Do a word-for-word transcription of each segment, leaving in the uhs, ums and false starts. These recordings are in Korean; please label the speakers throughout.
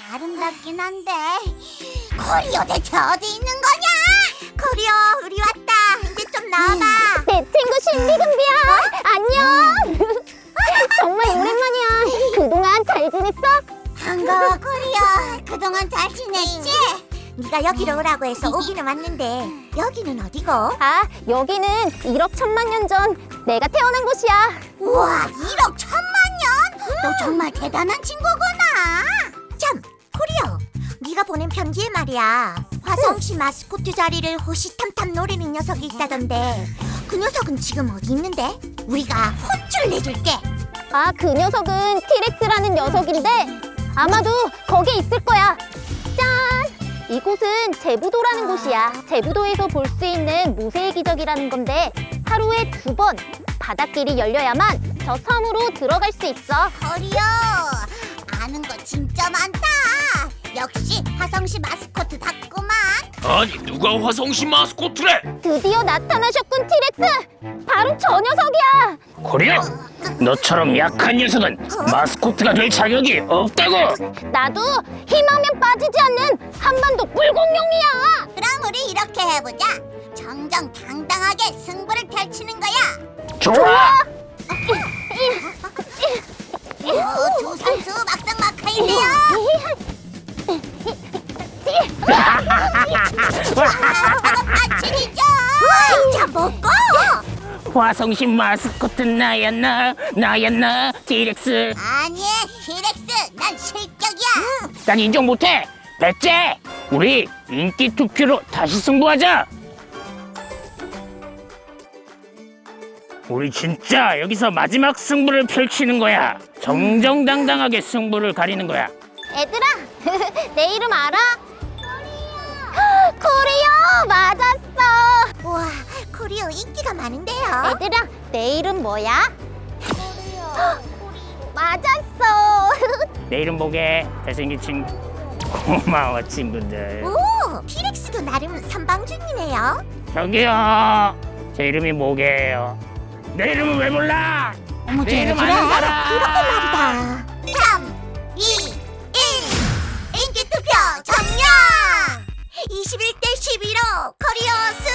Speaker 1: 아름답긴 한데 코리오 대체 어디 있는 거냐? 코리오 우리 왔다. 이제 좀 나와봐.
Speaker 2: 내 친구 신비금비야. 안녕. 정말 오랜만이야. 그동안 잘 지냈어?
Speaker 1: 반가워 코리오. 그동안 잘 지냈지? 네가 여기로 오라고 해서 오기는 왔는데 여기는 어디고?
Speaker 2: 아, 여기는 일억 천만 년 전 내가 태어난 곳이야.
Speaker 1: 우와, 일억 천만 년? 너 정말 대단한 친구구나. 참, 코리오, 네가 보낸 편지에 말이야, 화성시 마스코트 자리를 호시탐탐 노리는 녀석이 있다던데 그 녀석은 지금 어디 있는데? 우리가 혼쭐 내줄게.
Speaker 2: 아, 그 녀석은 티렉스라는 녀석인데 아마도 거기에 있을 거야. 짠! 이곳은 제부도라는 곳이야. 제부도에서 볼 수 있는 무쇠의 기적이라는 건데 하루에 두 번 바닷길이 열려야만 저 섬으로 들어갈 수 있어.
Speaker 1: 코리오, 아는 거 진짜 많다. 역시 화성시 마스코트답구만.
Speaker 3: 아니 누가 화성시 마스코트래?
Speaker 2: 드디어 나타나셨군, 티렉스! 바로 저 녀석이야!
Speaker 3: 코리오, 너처럼 약한 녀석은 마스코트가 될 자격이 없다고.
Speaker 2: 나도 힘하면 빠지지 않는 한반도 물공룡이야!
Speaker 1: 그럼 우리 이렇게 해보자. 정정당당하게 승부를 펼치는 거야.
Speaker 3: 좋아.
Speaker 1: 어, 두 선수 막상 막하인데요. 저거 파친이죠. 자, 먹고.
Speaker 3: 화성시 마스코트 나였나 나였나 티렉스.
Speaker 1: 아니, 티렉스, 난 실격이야.
Speaker 3: 난 인정 못해. 배째, 우리 인기 투표로 다시 승부하자. 우리 진짜 여기서 마지막 승부를 펼치는 거야. 정정당당하게 승부를 가리는 거야.
Speaker 2: 얘들아, 내 이름 알아? 코리오! 맞았어!
Speaker 1: 우와, 코리오 인기가 많은데요.
Speaker 2: 얘들아, 내 이름 뭐야? 맞았어!
Speaker 3: 내 이름 보게. 잘생긴 친구. 고마워 친구들.
Speaker 1: 오, 티렉스도 나름 선방중이네요.
Speaker 3: 저기요, 제 이름이 뭐게요? 내 이름은 왜 몰라?
Speaker 1: 어머,
Speaker 3: 내 이름
Speaker 1: 그래?
Speaker 3: 아는 사람.
Speaker 1: 그렇게 말이다. 삼, 이, 일. 인기 투표 점령! 이십일 대 십이로 코리오 승!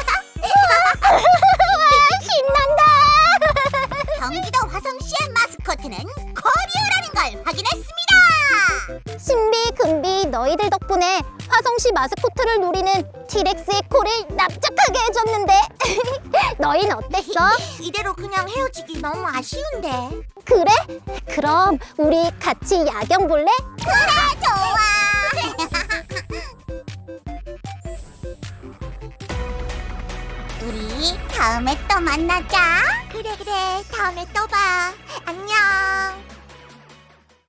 Speaker 2: 신난다!
Speaker 1: 경기도 화성시의 마스코트는 코리오라는 걸 확인했습니다!
Speaker 2: 신비, 금비, 너희들 덕분에 화성시 마스코트를 노리는 티렉스의 코를 납작하게 해줬는데 너희는 어땠어?
Speaker 1: 이대로 그냥 헤어지기 너무 아쉬운데.
Speaker 2: 그래? 그럼 우리 같이 야경 볼래?
Speaker 1: 그래, 좋아! 우리 다음에 또 만나자. 그래, 그래, 다음에 또 봐. 안녕.